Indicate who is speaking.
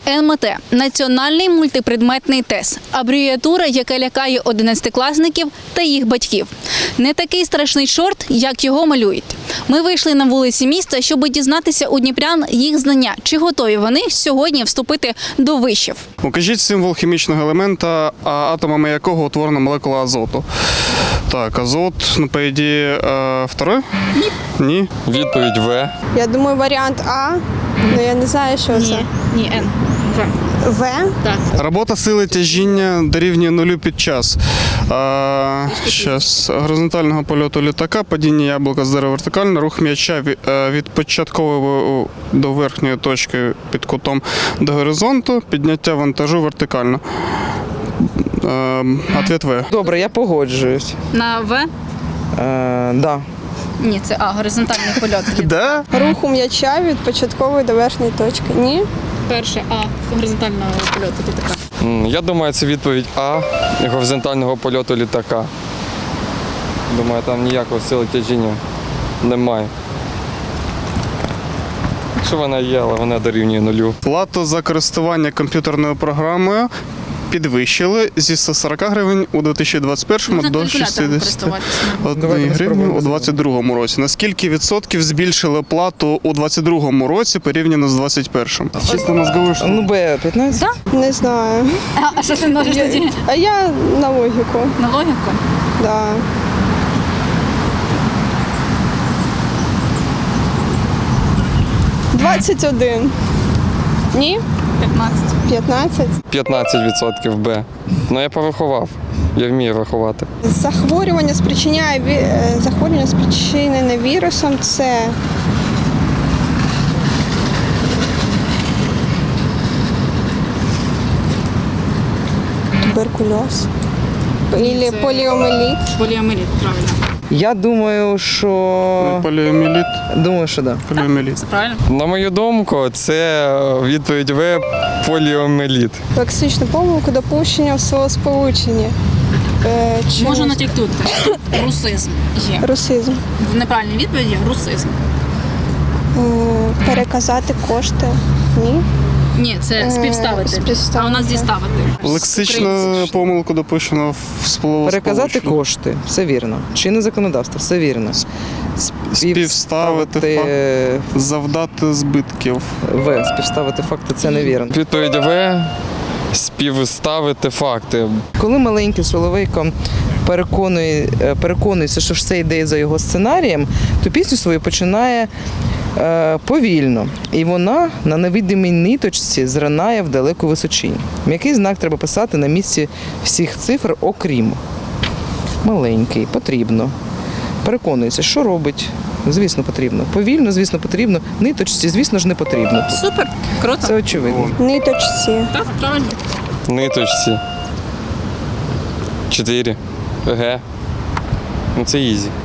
Speaker 1: НМТ – національний мультипредметний тест. Абревіатура, яка лякає 11-класників та їх батьків. Не такий страшний чорт, як його малюють. Ми вийшли на вулиці міста, щоб дізнатися у дніпрян їх знання. Чи готові вони сьогодні вступити до вишів?
Speaker 2: Укажіть символ хімічного елемента, атомами якого утворена молекула азоту. Так, азот, по ідеї, второй? Ні.
Speaker 3: Відповідь В.
Speaker 4: Я думаю, варіант А, але я не знаю, що це.
Speaker 1: Ні, Н.
Speaker 4: В?
Speaker 1: Так.
Speaker 2: Робота сили тяжіння дорівнює нулю під час горизонтального польоту літака, падіння яблука з дерева вертикально, рух м'яча від початкової до верхньої точки під кутом до горизонту, підняття вантажу вертикально. Ответ В.
Speaker 5: Добре, я погоджуюсь.
Speaker 1: На В?
Speaker 5: Да.
Speaker 1: Ні, це А, горизонтальний польот.
Speaker 2: Да?
Speaker 4: Руху м'яча від початкової до верхньої точки. Ні?
Speaker 1: Перше А, горизонтального польоту літака.
Speaker 3: Я думаю, це відповідь А горизонтального польоту літака. Думаю, там ніякого сили тяжіння немає. Якщо вона є, але вона дорівнює нулю.
Speaker 2: Плату за користування комп'ютерною програмою підвищили зі 140 гривень у 2021
Speaker 1: Можна
Speaker 2: до
Speaker 1: калькулятором
Speaker 2: 61 гривні у 2022 році. На скільки відсотків збільшили плату у 2022 році порівняно з 2021? Чисто мозговий штурм.
Speaker 5: Ну, Б 15?
Speaker 4: Не знаю.
Speaker 1: А що ти можеш тоді?
Speaker 4: А я на логіку.
Speaker 1: На логіку?
Speaker 4: Да. «21». Ні?
Speaker 1: 15.
Speaker 4: 15.
Speaker 3: 15% Б. Ну я порахував. Я вмію рахувати.
Speaker 4: Захворювання спричинене вірусом – це туберкульоз. Или поліомієліт.
Speaker 1: Поліомієліт, правильно.
Speaker 5: Я думаю, що...
Speaker 2: Поліомієліт.
Speaker 5: Думаю, що да.
Speaker 2: Поліомієліт.
Speaker 1: Це правильно?
Speaker 3: На мою думку, це відповідь В поліомієліт.
Speaker 4: Лексичну помилку допущення в словосполученні.
Speaker 1: Можу натякнути. Русизм є.
Speaker 4: Русизм.
Speaker 1: В неправильній відповіді – русизм.
Speaker 4: Переказати кошти. Ні.
Speaker 1: Ні, це співставити.
Speaker 4: Співставити.
Speaker 1: А у нас діставити.
Speaker 2: Лексичну помилку допущено в словосполученні.
Speaker 5: Переказати кошти. Все вірно. Чинне законодавство. Все вірно.
Speaker 2: Співставити завдати збитків.
Speaker 5: В. Співставити факти. Це невірно.
Speaker 3: Відповідь В співставити факти.
Speaker 5: Коли маленький Соловейко переконується, що все йде за його сценарієм, то пісню свою починає повільно. І вона на невидимій ниточці зринає в далеку височинь. М'який знак треба писати на місці всіх цифр, окрім. Маленький, потрібно. Переконується, що робить. Звісно, потрібно. Повільно, звісно, потрібно. Ниточці, звісно ж, не потрібно.
Speaker 1: Супер, круто.
Speaker 5: Це очевидно.
Speaker 4: Ниточці.
Speaker 1: Так, правильно.
Speaker 3: Ниточці. 4. Г. Ну це ізі.